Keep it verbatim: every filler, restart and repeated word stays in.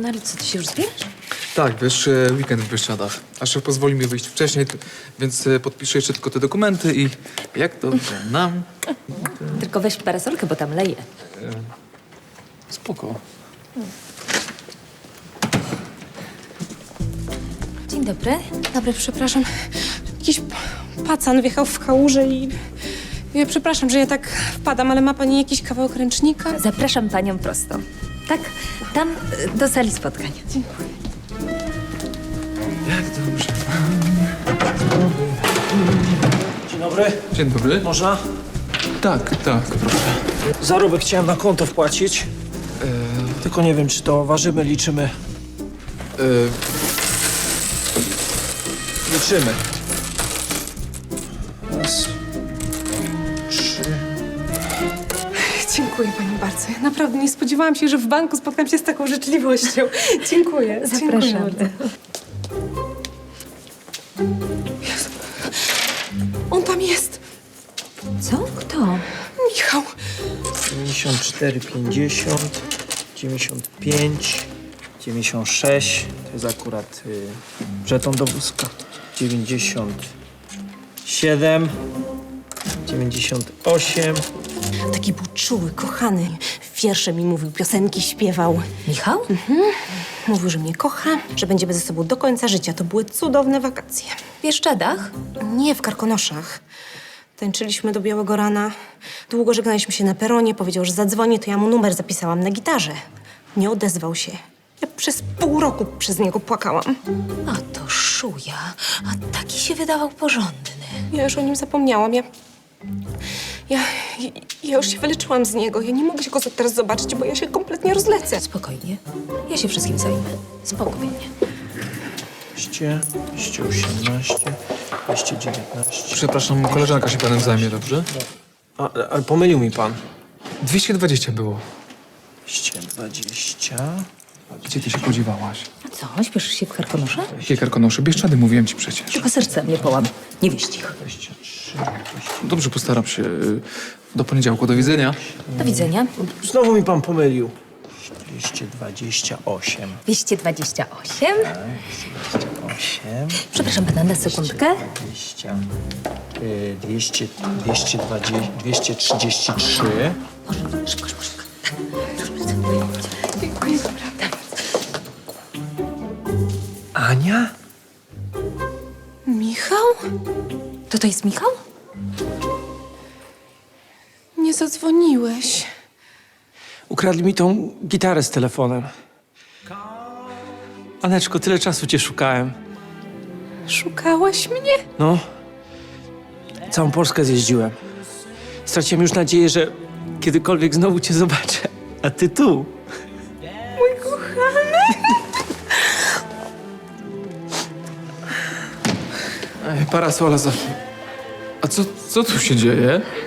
No ale co, ty się już zbierasz? Tak, wiesz, e, weekend w Bieszczadach. A szef pozwoli mi wyjść wcześniej, t- więc e, podpiszę jeszcze tylko te dokumenty i jak dobrze nam. Tylko weź parasolkę, bo tam leje. Spoko. Dzień dobry. Dobry, przepraszam. Jakiś pacan wjechał w kałużę i... Ja przepraszam, że ja tak wpadam, ale ma pani jakiś kawałek ręcznika? Zapraszam panią prosto. Tak, tam y, do sali spotkań. Dziękuję. Jak dobrze. Dzień dobry. Dzień dobry. Można? Tak, tak, proszę. Zarobek chciałem na konto wpłacić. Tylko nie wiem, czy to ważymy, liczymy. E, Liczymy. Raz, trzy. Dziękuję pani bardzo. Ja naprawdę nie spodziewałam się, że w banku spotkam się z taką życzliwością. Dziękuję. Dziękuję Zapraszam. bardzo. Jezu. On tam jest. Co? Kto? Michał. dziewięćdziesiąt cztery, pięćdziesiąt, dziewięćdziesiąt pięć, dziewięćdziesiąt sześć. To jest akurat y, żeton do wózka. dziewięćdziesiąt siedem, dziewięćdziesiąt osiem. Taki był czuły, kochany. Wiersze mi mówił, piosenki śpiewał. Michał? Mówił, że mnie kocha, że będziemy ze sobą do końca życia. To były cudowne wakacje. W Bieszczadach? Nie, w Karkonoszach. Tańczyliśmy do białego rana. Długo żegnaliśmy się na peronie. Powiedział, że zadzwoni, to ja mu numer zapisałam na gitarze. Nie odezwał się. Ja przez pół roku przez niego płakałam. A to szuja. A taki się wydawał porządny. Ja już o nim zapomniałam. Ja... Ja, ja już się wyleczyłam z niego. Ja nie mogę się go teraz zobaczyć, bo ja się kompletnie rozlecę. Spokojnie. Ja się wszystkim zajmę. Spokojnie. dwieście, dwieście osiemnaście, dwieście dziewiętnaście. przepraszam, koleżanka się panem zajmie, dobrze? A, ale pomylił mi pan. dwieście dwadzieścia było. dwieście dwadzieścia. Gdzie ty się podziewałaś? A co, śpieszysz się w Karkonosze? Jakie Karkonosze? Bieszczady, mówiłem ci przecież. Tylko serce mnie połam. Nie wieść ich. dwadzieścia trzy, Dobrze, postaram się. y, Do poniedziałku, do widzenia. Do widzenia. Znowu mi pan pomylił. dwieście dwadzieścia osiem. dwieście dwadzieścia osiem. osiem. Przepraszam pana na sekundkę. dwadzieścia. y, dwieście, dwieście dwadzieścia, dwieście trzydzieści trzy. Może, szybko, szybko, szybko. Dziękuję, naprawdę. Ania? Michał? To to jest Michał? Nie zadzwoniłeś. Ukradli mi tą gitarę z telefonem. Aneczko, tyle czasu cię szukałem. Szukałeś mnie? No. Całą Polskę zjeździłem. Straciłem już nadzieję, że kiedykolwiek znowu cię zobaczę. A ty tu. Mój kochany. Ej, parasola za... A co, co tu się dzieje?